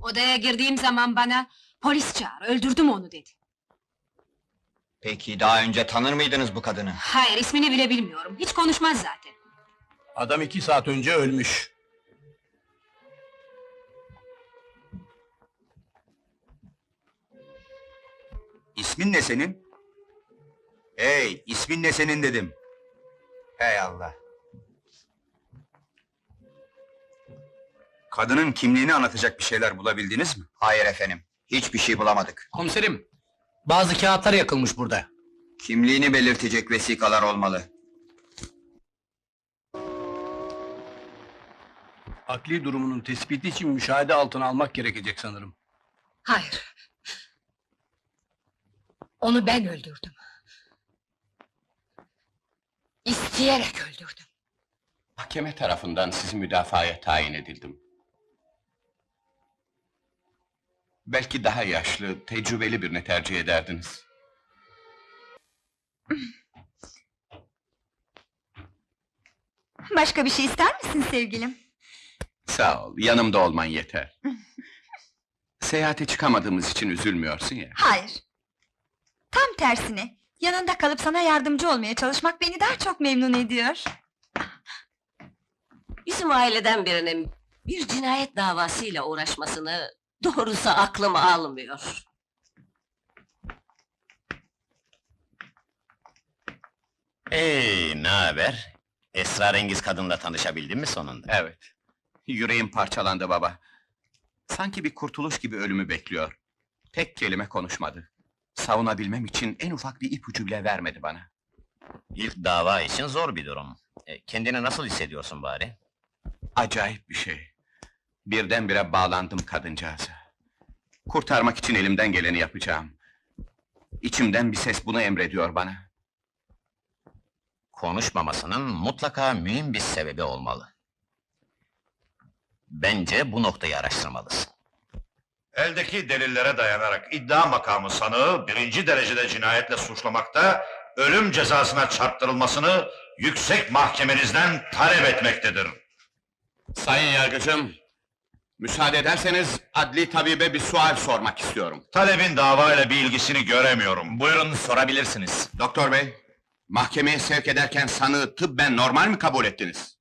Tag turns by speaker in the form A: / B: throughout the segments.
A: Odaya girdiğim zaman bana, polis çağır, öldürdüm onu dedi.
B: Peki daha önce tanır mıydınız bu kadını?
A: Hayır, ismini bile bilmiyorum, hiç konuşmaz zaten.
C: Adam 2 saat önce ölmüş.
D: İsmin ne senin? Hey, ismin ne senin dedim. Hey Allah! Kadının kimliğini anlatacak bir şeyler bulabildiniz mi?
B: Hayır efendim, hiçbir şey bulamadık.
C: Komiserim, bazı kağıtlar yakılmış burada.
B: Kimliğini belirtecek vesikalar olmalı.
C: Akli durumunun tespiti için müşahede altına almak gerekecek sanırım.
E: Hayır. Onu ben öldürdüm. İsteyerek öldürdüm.
F: Mahkeme tarafından sizi müdafaya tayin edildim. Belki daha yaşlı, tecrübeli birini tercih ederdiniz.
G: Başka bir şey ister misin sevgilim?
F: Sağ ol, yanımda olman yeter. Seyahate çıkamadığımız için üzülmüyorsun ya.
G: Hayır. Tam tersine, yanında kalıp sana yardımcı olmaya çalışmak beni daha çok memnun ediyor.
H: Bizim aileden birinin bir cinayet davasıyla uğraşmasını doğrusu aklım almıyor.
I: Ne haber? Esrarengiz kadınla tanışabildin mi sonunda?
F: Evet. Yüreğim parçalandı baba. Sanki bir kurtuluş gibi ölümü bekliyor. Tek kelime konuşmadı. Savunabilmem için en ufak bir ipucu bile vermedi bana.
I: İlk dava için zor bir durum. Kendini nasıl hissediyorsun bari?
F: Acayip bir şey. Birdenbire bağlandım kadıncağıza. Kurtarmak için elimden geleni yapacağım. İçimden bir ses bunu emrediyor bana.
I: Konuşmamasının mutlaka mühim bir sebebi olmalı. Bence bu noktayı araştırmalısın.
J: Eldeki delillere dayanarak iddia makamı sanığı birinci derecede cinayetle suçlamakta, ölüm cezasına çarptırılmasını yüksek mahkemenizden talep etmektedir.
F: Sayın yargıcım, müsaade ederseniz adli tabibe bir sual sormak istiyorum.
J: Talebin davayla bir ilgisini göremiyorum.
I: Buyurun sorabilirsiniz.
F: Doktor bey, mahkemeye sevk ederken sanığı tıbben normal mi kabul ettiniz?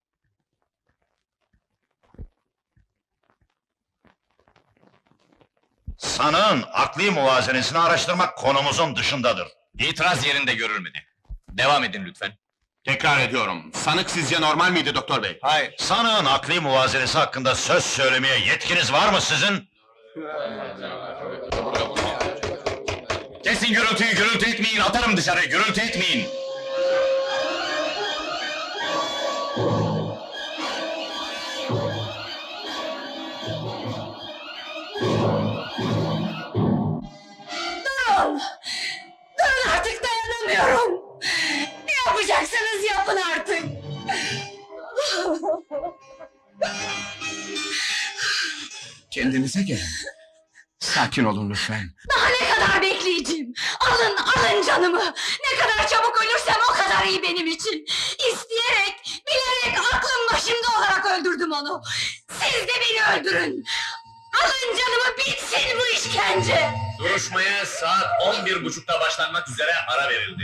J: Sanığın akli muvazenesini araştırmak konumuzun dışındadır.
I: İtiraz yerinde görülmedi. Devam edin lütfen.
F: Tekrar ediyorum, sanık sizce normal miydi doktor bey?
J: Hayır. Sanığın akli muvazenesi hakkında söz söylemeye yetkiniz var mı sizin?
I: Kesin gürültüyü, gürültü etmeyin, atarım dışarı, gürültü etmeyin!
E: Durun! Durun artık dayanamıyorum! Ne yapacaksanız yapın artık!
F: Kendinize gelin. Sakin olun lütfen.
E: Daha ne kadar bekleyeceğim? Alın, alın canımı! Ne kadar çabuk ölürsem o kadar iyi benim için! İsteyerek, bilerek, aklım başımda olarak öldürdüm onu! Siz de beni öldürün! Alın canımı, bitsin bu işkence!
I: Duruşmaya saat 11.30'da başlanmak üzere ara verildi.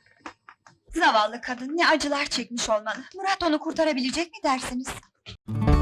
G: Zavallı kadın ne acılar çekmiş olmalı. Murat onu kurtarabilecek mi dersiniz?